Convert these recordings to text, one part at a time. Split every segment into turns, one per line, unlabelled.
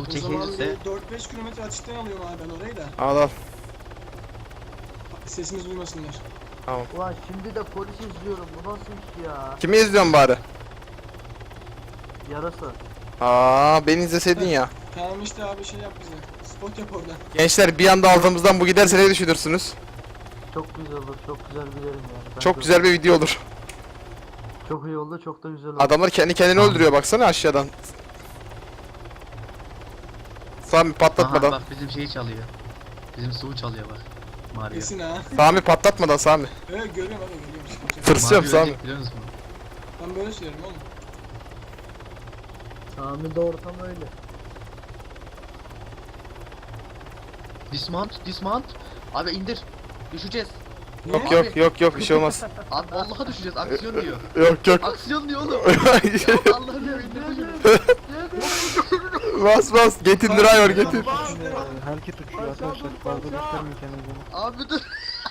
O zaman
çekilirse
bir 4-5 kilometre açıktan alıyorum abi ben orayı da.
Al al.
Sesimiz duymasınlar.
Tamam.
Ulan şimdi de polis izliyorum. Bu nasıl iş ya?
Kimi izliyorsun bari?
Yarası.
Aa, beni izleseydin ya.
Tamam işte abi şey yap bize. Spot yap orada.
Gençler bir anda altımızdan bu giderse ne düşünürsünüz?
Çok güzel olur. Çok güzel bilirim yani. Ben
Çok güzel bir video olur.
Çok iyi oldu. Çok da güzel oldu.
Adamlar kendi kendini öldürüyor baksana aşağıdan. Sami
aha
patlatmadan.
bak bizim şeyi çalıyor. Bizim suyu çalıyor bak. Mario.
Kesin ha.
Sami patlatmadan Sami.
Evet görüyorum abi görüyorum. Sıkıntı yok.
Tırsıyorum
Mario
Sami.
ölecek biliyor musun?
Ben böyle söylerim oğlum.
Sami de ortam öyle.
Dismount. Abi indir. Düşeceğiz.
Yok
Niye?
yok yok yok bir şey olmaz.
Abi vallahi düşeceğiz. Aksiyon diyor.
Yok yok.
Aksiyon diyor oğlum. Allah'ım ya indir şunu.
Bas bas getir driver getir.
Hareket uçuyor arkadaşlar. Fazla göstermeyin kendinizi.
Abi dur.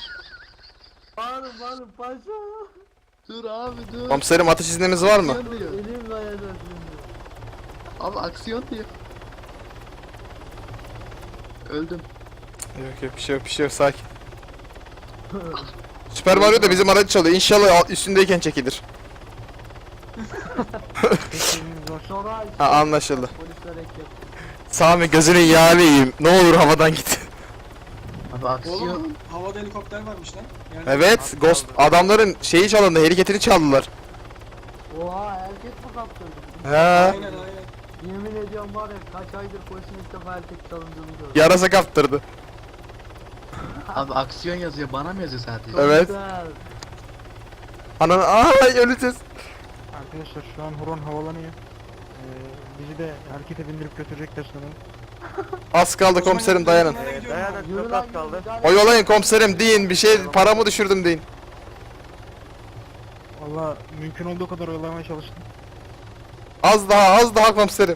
Bağırın paşa.
Dur abi dur.
Komiserim atış iznimiz var mı?
Aksiyon diyor.
Elim kayacak şimdi.
Abi aksiyon diyor. Öldüm.
Yok yok bir şey yok bir şey yok sakin. Süper Mario da bizim aracı çalıyor. İnşallah üstündeyken çekilir.
Teşekkürünüz var.
Sonra
Ha, anlaşıldı.
polisler ekip.
Sami gözünün yağını yiyeyim. Ne olur havadan git.
Abi aksiyon.
Oğlum havada helikopter varmış lan. Yani
Evet, Ghost adamların şeyi çalındı, helikopteri çaldılar.
Oha erkek mi kaptırdı?
He.
Aynen aynen.
Yemin ediyorum var ya kaç aydır polisin ilk defa erkek çalındığını gördüm.
Yarasa kaptırdı.
Abi aksiyon yazıyor. Bana mı yazıyor sadece?
Çok
Evet.
güzel.
Ananı ay öleceğiz.
Arkadaşlar şu an horon havalanıyor. Bizi de harekete bindirip götürecekler sanırım.
Az kaldı komiserim dayanın.
Yürü lan kaldı.
Oyalayın komiserim deyin bir şey paramı düşürdüm deyin.
Valla mümkün olduğu kadar oyalamaya çalıştım.
Az daha komiserim.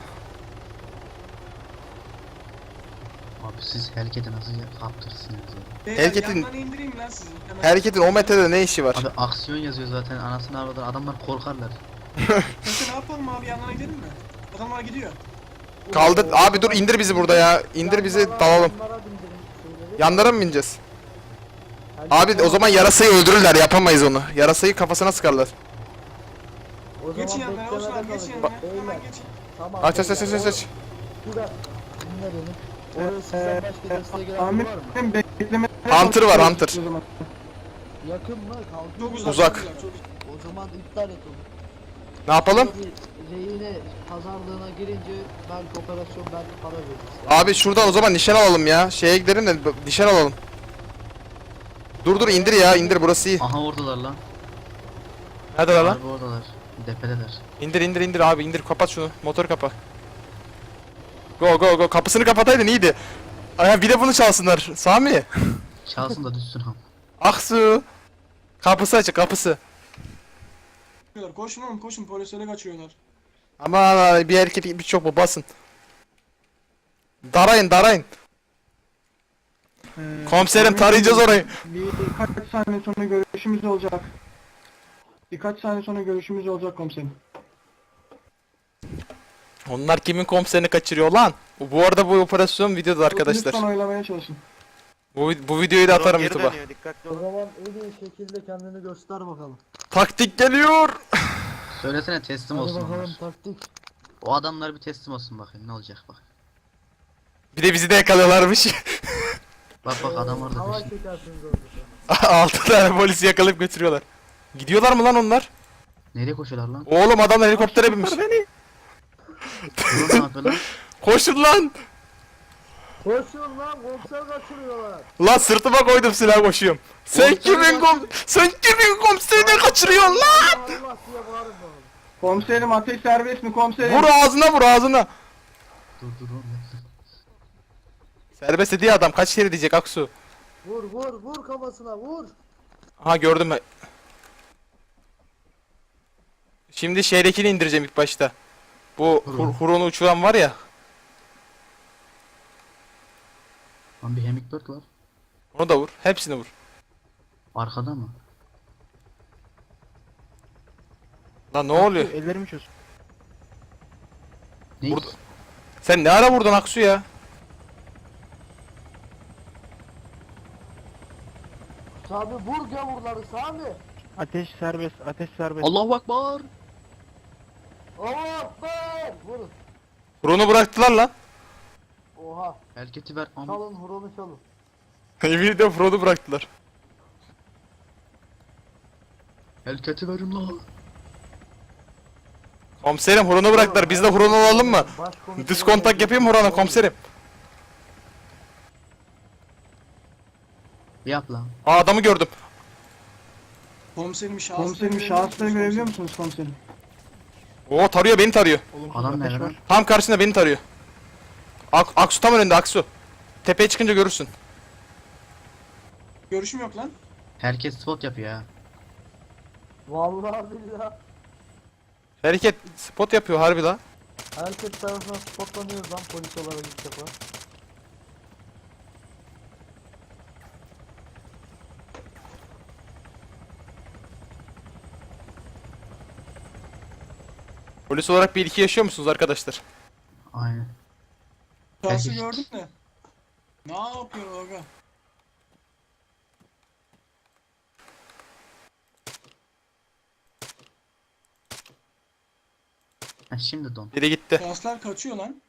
Abi siz harekete nasıl kaptırsınız ya?
Hareketin-
Yandan indireyim lan sizi. Hemen.
Hareketin o metrede ne işi var?
Abi aksiyon yazıyor zaten anasını avradan adamlar korkarlar.
Peki ne yapalım abi yanlarına gidelim mi? Adamlar gidiyor.
Kaldır abi dur indir bizi burada ya. İndir bizi dalalım.
Yanlara bindirin şeyleri.
Yanlara mı bineceğiz? Abi o zaman yarasayı öldürürler yapamayız onu. Yarasayı kafasına sıkarlar.
O zaman
Geçin yanlarına olsun abi
beklemede
geçin
kalın.
yanlarına. Hemen
Beyler,
geçin.
tamam,
Aç aç aç
beyler,
aç aç.
Bir dakika. Dinle beni. Oraya sizden başka desteğe gelen biri var mı?
Amirim bekleme.
Hunter var, Hunter.
Yakın mı?
Çok
Kalkın.
Uzak.
Çok uzak.
O zaman iptal et onu.
Ne yapalım?
Bir rehine pazarlığına girince belki operasyon belki para veririz.
Abi şuradan o zaman nişan alalım ya. Şeye gidelim de nişan alalım. Dur indir ya indir burası iyi.
Aha oradalar lan.
Hadi lan.
Harbi oradalar. Depedeler.
İndir abi indir kapat şunu motoru kapa. Go kapısını kapataydın iyiydi. Ay bir de bunu çalsınlar Sami.
Çalsın da düşsün ham.
Aksu. Kapısı açık kapısı.
Koşun oğlum koşun polislere kaçıyorlar.
Aman bir erkek bir çok mu basın. Darayın. Komiserim tarayacağız orayı.
Birkaç saniye sonra görüşümüz olacak. Birkaç saniye sonra görüşümüz olacak komiserim.
Onlar kimin komiserini kaçırıyor lan? Bu arada bu operasyon videoda arkadaşlar.
Lütfen oyalamaya çalışın.
Bu videoyu da atarım YouTube'a.
O zaman en iyi şekilde kendini göster bakalım.
Taktik geliyor.
Söylesene teslim
Hadi
olsun
bakalım
onlar.
taktik.
O adamlar bir teslim olsun bakayım ne olacak bak.
Bir de bizi de yakalıyorlarmış.
Bak adam orada
Hava
peşinde.
çekersiniz orada.
6 tane polisi yakalayıp götürüyorlar. Gidiyorlar mı lan onlar?
Nereye koşuyorlar lan?
Oğlum adamlar helikoptere binmiş.
Beni.
Dur ne yapıyor lan?
Koşun lan.
Koşun lan komiser kaçırıyorlar.
Lan sırtıma koydum silah koşuyorum. Sen kimin komiserini kaçırıyorsun lan?
Allah diye bağırın bakalım.
Komiserim ateş serbest mi komiserim?
Vur ağzına.
Dur oğlum.
Serbest dediği adam kaç kere diyecek Aksu.
Vur kafasına vur.
Aha gördüm ben. Şimdi şehirdekini indireceğim ilk başta. Bu Huron'u uçuran var ya.
Lan bir Hummingbird var.
Onu da vur. Hepsini vur.
Arkada mı?
Lan ne oluyor?
Ellerimi çöz.
Ne?
Burada- Sen ne ara vurdun Aksu ya?
Sami vur gavurları Sami.
Ateş serbest, ateş serbest.
Allahu Ekber.
Allah be. Vurun.
Huronu bıraktılar lan.
Oha.
Hareketi ver ama.
Çalın huronu çalın.
Yemin de Huronu bıraktılar.
Hareketi verin la.
Komiserim Huronu bıraktılar. Biz de Huronu alalım mı? Diskontak yapayım mı Huronu komiserim?
Yap lan.
Aa adamı gördüm.
Komiserim şahısları
Komiserim
görebiliyor
şahısları
musunuz
görebiliyor musunuz komiserim?
Oo tarıyor beni tarıyor.
Olumsuz
Adam
ateş
nerede?
var.
Tam karşısında beni tarıyor. Aksu tam önünde Aksu. Tepeye çıkınca görürsün.
Görüşüm yok lan.
Herkes spot yapıyor ya.
Vallahi billahi.
Hareket spot yapıyor harbi la.
Herkes tarafından spotlanıyoruz lan polis olarak ilk defa.
Polis olarak bir ilki yaşıyor musunuz arkadaşlar?
Aynen.
Şahsı
Herkes-
gördün de. Ne yapıyor aga?
Ha, şimdi don.
Biri gitti.
Şahıslar kaçıyor lan.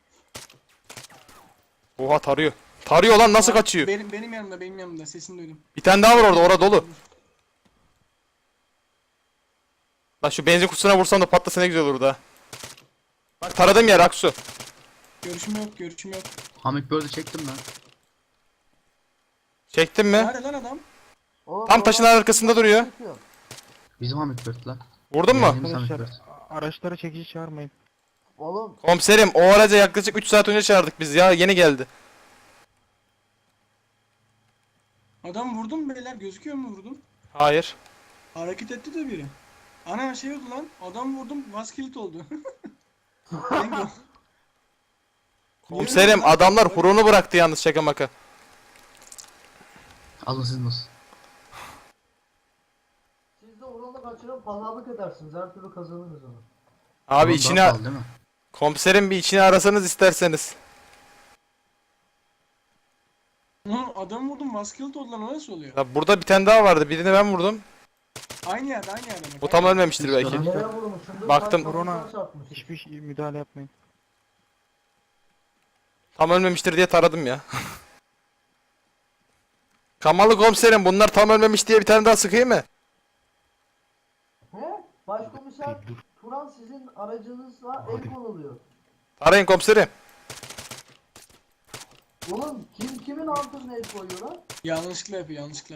Oha tarıyor. Tarıyor lan nasıl kaçıyor?
Benim yanımda sesini duydum.
Bir tane daha var orada orada dolu. Lan şu benzin kutusuna vursam da patlasa ne güzel olurdu ha. Bak taradım yer Aksu.
Görüşüm yok.
Hamit böyle çektim lan.
Çektin mi?
Nerede lan adam?
Oğlum,
Tam taşın arkasında duruyor.
çıkıyor.
Bizim Hamit Bird lan.
Vurdun mu?
Bizim Hamit
Arkadaşlar
Bird.
araçlara çekici çağırmayın.
Oğlum
Komiserim o araca yaklaşık 3 saat önce çağırdık biz ya yeni geldi.
Adam vurdum mu beyler? Gözüküyor mu vurdum?
Hayır.
Hareket etti de biri. Ana şey oldu lan. Adam vurdum. Gaz kilit oldu. Bingo.
Komiserim adamlar huronu bıraktı yalnız şaka maka.
Alın siz nasıl?
siz de huronu kaçırıp pazarlık edersiniz. Her türlü kazanırız onu.
Abi
Bunun
içine
daha pahalı değil mi?
komiserim bir içine arasanız isterseniz.
Oğlum adam vurdum. Gaz kilit oldu lan. O nasıl oluyor?
Ya burada bir tane daha vardı birini ben vurdum.
Aynı yerde bak.
Bu tam ölmemiştir belki.
Nereye vurmuşsundur?
Baktım.
Kaç
Hurona
kafasına çarpmış.
hiçbir müdahale yapmayın.
Tam ölmemiştir diye taradım ya. Kamalı komiserim bunlar tam ölmemiş diye bir tane daha sıkayım mı?
He? Başkomiser Turan sizin aracınızla el konuluyor.
Arayın komiserim.
Oğlum kimin altına el koyuyor lan?
Yanlışlıkla yapıyor yanlışlıkla.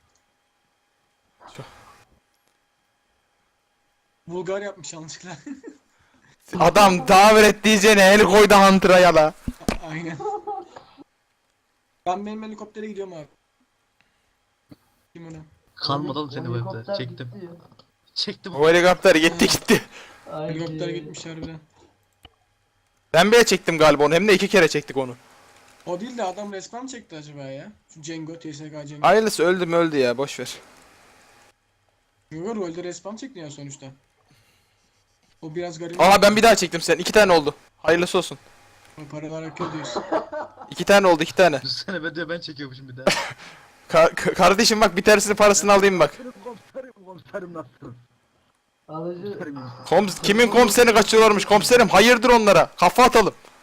Bulgar yapmış yanlışlıkla.
Adam davet et diyeceğine el koydu Hunter'a ya da.
Aynen. Benim helikoptere gidiyorum abi. Kim ona?
Kalmadı oğlum seni bu
Helikopter
evde. Çektim.
gitti ya.
Çektim.
O helikopter gitti.
Haydi.
Helikopter gitmiş harbiden.
Ben bile çektim galiba onu hem de 2 kere çektik onu.
O değil de adam resmen çekti acaba ya. Şu Cengo, TSK Cengo.
Hayırlısı öldü mü öldü ya boş ver.
Yo rolde respawn çekti ya sonuçta. O biraz garip.
Aha ben bir daha çektim sen 2 tane oldu. Hayırlısı olsun.
O paralar akıyor diyorsun.
2 tane oldu 2 tane.
Düşünsene ben çekiyormuşum bir daha.
Kardeşim bak bir tanesini parasını alayım bak.
Komiserim nasılsın?
Alıcı
Kimin komiserini kaçırıyorlarmış komiserim hayırdır onlara kafa atalım.